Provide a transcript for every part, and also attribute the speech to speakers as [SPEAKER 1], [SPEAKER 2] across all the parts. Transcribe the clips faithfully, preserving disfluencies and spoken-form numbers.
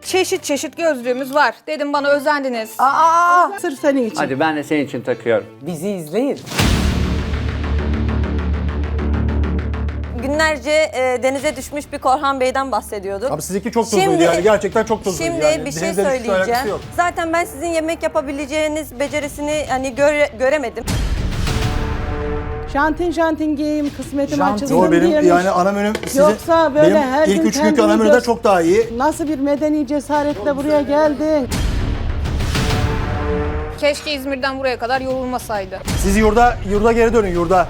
[SPEAKER 1] çeşit çeşit gözlüğümüz var. Dedim bana özendiniz.
[SPEAKER 2] Aa!
[SPEAKER 3] Sırf senin için.
[SPEAKER 4] Hadi ben de senin için takıyorum.
[SPEAKER 2] Bizi izleyin.
[SPEAKER 5] Günlerce e, denize düşmüş bir Korhan Bey'den bahsediyorduk.
[SPEAKER 6] Abi sizinki çok tuzluydu
[SPEAKER 5] Şimdi-
[SPEAKER 6] yani gerçekten çok tuzluydu
[SPEAKER 5] Şimdi
[SPEAKER 6] yani.
[SPEAKER 5] bir şey
[SPEAKER 6] Denizle hiçbir alakası
[SPEAKER 5] söyleyeceğim.
[SPEAKER 6] yok.
[SPEAKER 5] Zaten ben sizin yemek yapabileceğiniz becerisini hani göre, göremedim.
[SPEAKER 3] Jantin jantin giyeyim, kısmetim
[SPEAKER 2] Jantin.
[SPEAKER 3] açılsın
[SPEAKER 6] Yo benim
[SPEAKER 3] diyemiş.
[SPEAKER 6] yani ana menüm sizin,
[SPEAKER 3] Yoksa böyle
[SPEAKER 6] benim
[SPEAKER 3] her
[SPEAKER 6] ilk
[SPEAKER 3] gün
[SPEAKER 6] üç günkü
[SPEAKER 3] kendini
[SPEAKER 6] ana menüden
[SPEAKER 3] gör-
[SPEAKER 6] çok daha iyi.
[SPEAKER 3] Nasıl bir medeni cesaretle buraya geldin?
[SPEAKER 1] Keşke İzmir'den buraya kadar yorulmasaydı.
[SPEAKER 6] Siz yurda, yurda geri dönün yurda.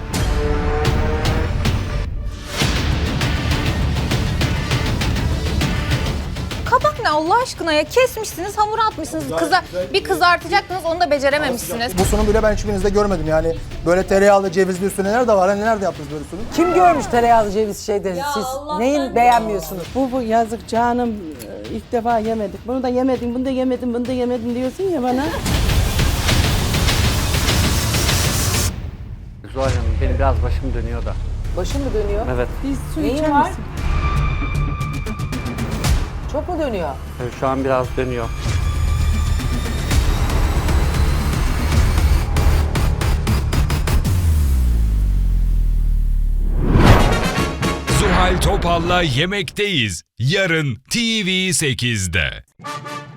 [SPEAKER 1] Kabak ne Allah aşkına ya? Kesmişsiniz, hamur atmışsınız. Kıza bir kızartacaktınız, onu da becerememişsiniz.
[SPEAKER 6] Bu sunum bile ben hiçbirinizde görmedim yani. Böyle tereyağlı cevizli üstüne neler de var. Hani nerede yaptınız böyle sunum?
[SPEAKER 2] Kim görmüş tereyağlı ceviz şeyleri? Siz neyin beğenmiyorsunuz?
[SPEAKER 3] Bu, bu yazık canım, e, ilk defa yemedik. Bunu da yemedim, bunu da yemedim, bunu da yemedim diyorsun ya bana.
[SPEAKER 4] Zuhal Hanım benim biraz başım dönüyor da.
[SPEAKER 2] Başın mı dönüyor?
[SPEAKER 4] Evet.
[SPEAKER 3] Biz su
[SPEAKER 2] Neyin
[SPEAKER 3] içer
[SPEAKER 2] var?
[SPEAKER 3] misin?
[SPEAKER 2] Çok mu dönüyor?
[SPEAKER 4] Evet, şu an biraz dönüyor.
[SPEAKER 7] Zuhal Topal'la Yemekteyiz. Yarın T V sekizde.